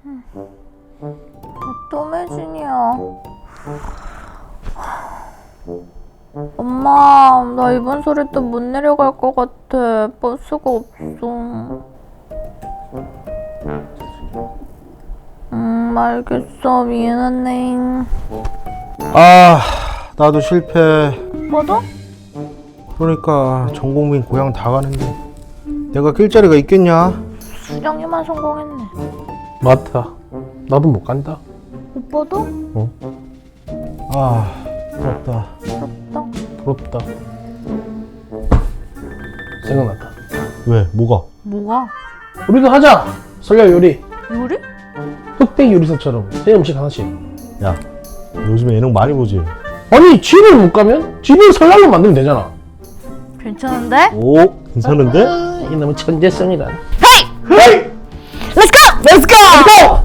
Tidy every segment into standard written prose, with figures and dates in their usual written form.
또 매진이야. 엄마, 나 이번 설에 또 못 내려갈 것 같아. 버스가 없어. 알겠어. 미안하네. 아, 나도 실패. 뭐도? 그러니까 전국민 고향 다 가는데 내가 낄 자리가 있겠냐? 수정이만 성공했네. 맞다. 나도 못 간다. 오빠도? 아, 부럽다. 부럽다. 부럽다. 생각났다. 왜? 뭐가? 뭐가? 우리도 하자. 설날 요리. 요리? 흑백 요리사처럼 새 음식 하나씩. 야, 요즘에 예능 많이 보지? 아니 집을 못 가면 집을 설날로 만들면 되잖아. 괜찮은데? 오, 괜찮은데? 아, 이놈의 천재성이란. 헤이! Let's go! Let's go!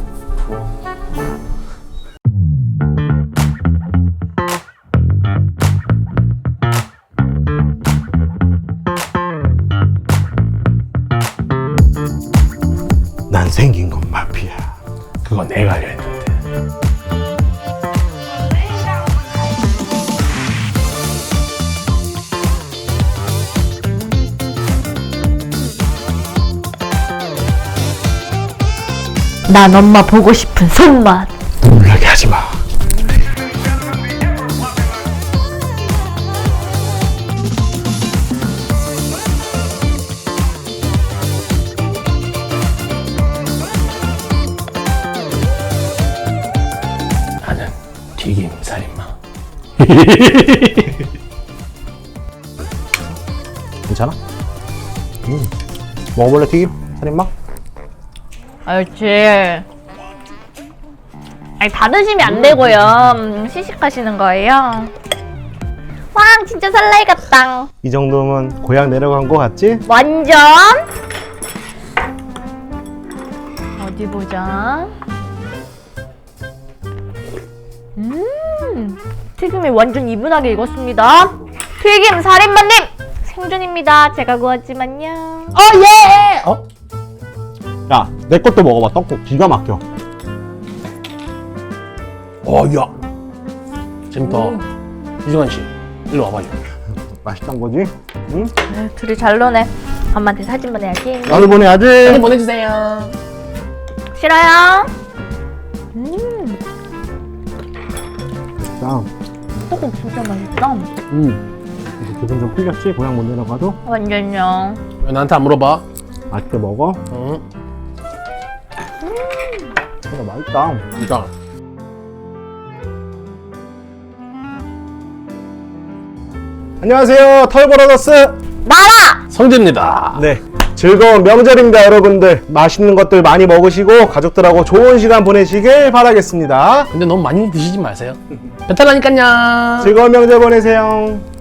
난 생긴 건 마피아. 그거 내가 알려 했는데. 난 엄마 보고 싶은 손맛. 놀라게 하지 마. 나는 튀김 살인마. 괜찮아? 먹어볼래 튀김? 살인마? 옳지. 아니, 다 드시면 안 되고요. 시식하시는 거예요. 와, 진짜 설레이 같다. 이 정도면 고향 내려간 거 같지? 완전. 어디 보자. 튀김이 완전 이분하게 익었습니다. 튀김 살인마님 생존입니다. 제가 구웠지만요. 예! 어? 야, 내 것도 먹어봐. 떡국 기가 막혀. 야. 재밌다. 이승환 씨, 일로 와봐요. 맛있단 거지? 응? 둘이 잘 노네. 엄마한테 사진 보내야지. 나도 보내야지. 사진 보내주세요. 싫어요? 자, 떡국 진짜 맛있다. 이제 기분 좀 풀렸지? 고향 못 내려가도? 완전요. 왜 나한테 안 물어봐? 맛있게 먹어. 응. 진짜 맛있다. 진짜. 안녕하세요, 털보러더스. 나라! 성재입니다. 네, 즐거운 명절입니다, 여러분들. 맛있는 것들 많이 먹으시고 가족들하고 좋은 시간 보내시길 바라겠습니다. 근데 너무 많이 드시지 마세요. 배탈 나니깐요. 즐거운 명절 보내세요.